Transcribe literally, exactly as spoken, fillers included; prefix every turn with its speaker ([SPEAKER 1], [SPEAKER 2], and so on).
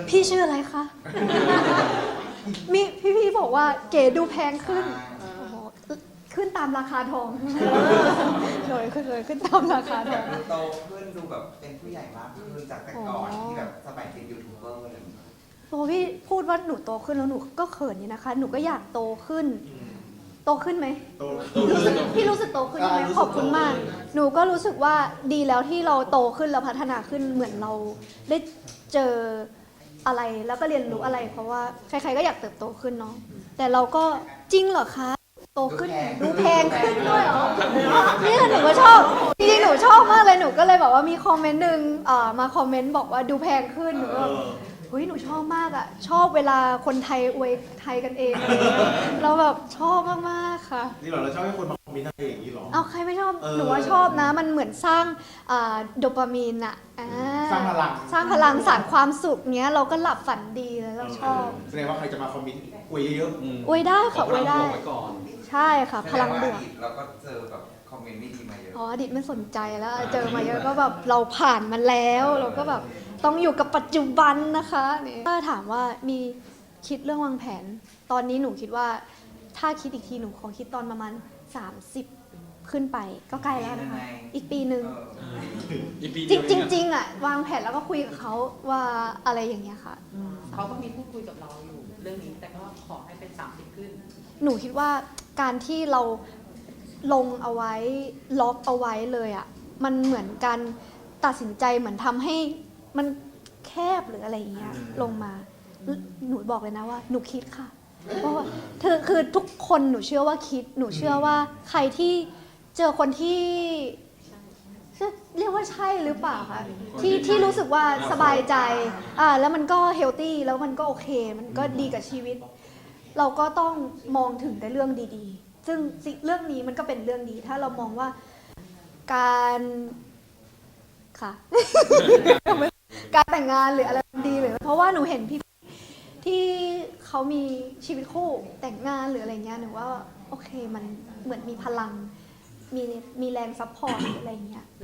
[SPEAKER 1] พี่ชื่ออะไรคะ มีพี่ๆบอกว่าเก๋ดูแพงขึ้นโอ้โหขึ้นตามราคาทองเลยขึ้นเลยขึ้นตามราคาท
[SPEAKER 2] แบ
[SPEAKER 1] อบ ง
[SPEAKER 2] ดูโตขึ้นดูแบบเป็นผู้ใหญ่มากขึ้นจากแต่ก่อนที่แบบสมัยเป็นยูทูบเบอร์อะไรอย่างเงี้ย
[SPEAKER 1] โอ้พี่พูดว่าหนูโตขึ้นแล้วหนูก็เขินนี่นะคะ หนูก็อยากโตขึ้น โตขึ้นไหม
[SPEAKER 3] โต
[SPEAKER 1] รู้สึกพี่รู้สึกโตขึ้นไหมขอบคุณมาก หนูก็รู้สึกว่าดีแล้วที่เราโตขึ้นแล้วพัฒนาขึ้นเหมือนเราได้เจออะไรแล้วก็เรียนรู้อะไร เพราะว่าใครๆก็อยากเติบโตขึ้นเนาะแต่เราก็จริงเหรอคะโตขึ้นดูแพงขึ้นด้วยเหรอเนี่ยหนูก็ชอบจริงๆหนูชอบมากเลยหนูก็เลยแบบว่ามีคอมเมนต์หนึ่งอ่ามาคอมเมนต์บอกว่าดูแพงขึ้นหนูก็เฮ้ยหนูชอบมากอ่ะชอบเวลาคนไทยอวยไทยกันเองอะไรเงี้ยเราแบบชอบมากๆค่ะ
[SPEAKER 3] นี่เหรอเราชอบให้คนมาคอมเมนต์อะไรอย่างนี้เหรอ
[SPEAKER 1] เอาใครไม่ชอบ
[SPEAKER 3] เออ
[SPEAKER 1] หนูว่าชอบนะ มันเหมือนสร้างอ่าโดปามีนอะอ่
[SPEAKER 3] สร้างพลัง
[SPEAKER 1] สร้างพลังสร้างความสุขเนี้ยเราก็หลับฝันดีแล้วเราชอบ
[SPEAKER 3] แสดงว่าใครจะมาคอมเมนต์อวยเยอะ
[SPEAKER 1] อวยได้ค่ะอวยได้
[SPEAKER 4] ไว้ก่อน
[SPEAKER 1] ใช่ค่ะ พลังบวก
[SPEAKER 2] เราก็เจอแบบคอมเมนต์ไม่ดีมาเยอะ
[SPEAKER 1] อ๋ออดีตไม่สนใจแล้ว เจอมาเยอะก็แบบเราผ่านมันแล้ว เราก็แบบต้องอยู่กับปัจจุบันนะคะนี่ถ้าถามว่ามีคิดเรื่องวางแผน ตอนนี้หนูคิดว่าถ้าคิดอีกทีหนูขอคิดตอนประมาณสามสิบขึ้นไปก็ใกล้แล้วนะคะ อีกปีหนึ่ง
[SPEAKER 4] อีกปี
[SPEAKER 1] จ
[SPEAKER 4] เดี
[SPEAKER 1] ริ
[SPEAKER 4] ยว
[SPEAKER 1] ง
[SPEAKER 4] เอ
[SPEAKER 1] จริง
[SPEAKER 4] อะ
[SPEAKER 1] จริงอ่ะวางแผนแล้วก็คุยกับเขาว่าอะไรอย่างเงี้ยค่ะ
[SPEAKER 5] เขาก็มีพูดคุยกับเราอยู่เรื่องนี้ แต่ก็ขอให้เป็นสามสิบขึ้น
[SPEAKER 1] หนูคิดว่าการที่เราลงเอาไว้ล็อกเอาไว้เลยอ่ะมันเหมือนการตัดสินใจเหมือนทำให้มันแคบหรืออะไรอย่างเงี้ยลงมาหนูบอกเลยนะว่าหนูคิดค่ะเพราะว่าคือคือทุกคนหนูเชื่อว่าคิด หนูเชื่อว่าใครที่เจอคนที่เรียกว่าใช่หรือเปล่าคะที่ที่รู้สึกว่าสบายใจอ่าแล้วมันก็เฮลตี้แล้วมันก็โอเค มันก็ดีกับชีวิต เราก็ต้องมองถึงแต่เรื่องดีๆ ซึ่งสิ่งเรื่องนี้มันก็เป็นเรื่องดี ถ้าเรามองว่าการค่ะ การแต่งงานหรืออะไรดีหรือเพราะว่าหนูเห็นพี่ที่เขามีชีวิตคู่แต่งงานหรืออะไรเงี้ยหนูว่าโอเคมันเหมือนมีพลัง มีมีแรงซัพพอร์ตหรืออะไรเงี้ย